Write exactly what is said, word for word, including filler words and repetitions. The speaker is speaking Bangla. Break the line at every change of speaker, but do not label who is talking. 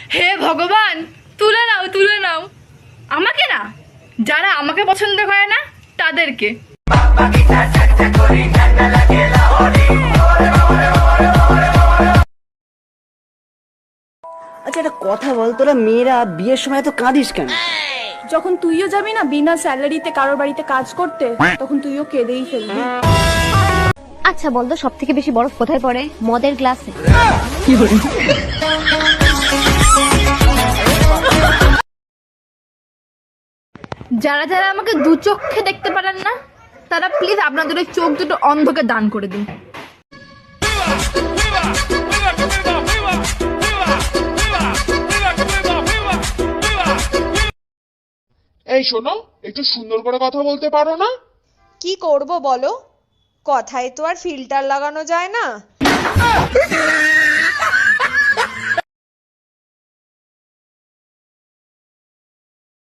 হে ভগবান, তুলে নাও তুলে নাও, আমাকে না, যারা আমাকে পছন্দ করে না তাদেরকে।
আচ্ছা একটা কথা বল, তোরা মেয়েরা বিয়ের সময় তো কাঁদিস কেন?
যখন তুইও যাবি না বিনা স্যালারিতে কারোর বাড়িতে কাজ করতে, তখন তুইও কেঁদেই ফেলবি।
আচ্ছা বলতো সব থেকে বেশি বরফ কোথায় পড়ে? মদের গ্লাসে।
যারা যারা আমাকে দু চোখে দেখতে পারেন না, তারা প্লিজ আপনাদের ওই চোখ দুটো অন্ধকে দান করে দিন।
এই শোনো, একটু সুন্দর করে কথা বলতে পারো না?
কি করব বলো, কথায় তো আর ফিল্টার লাগানো যায় না।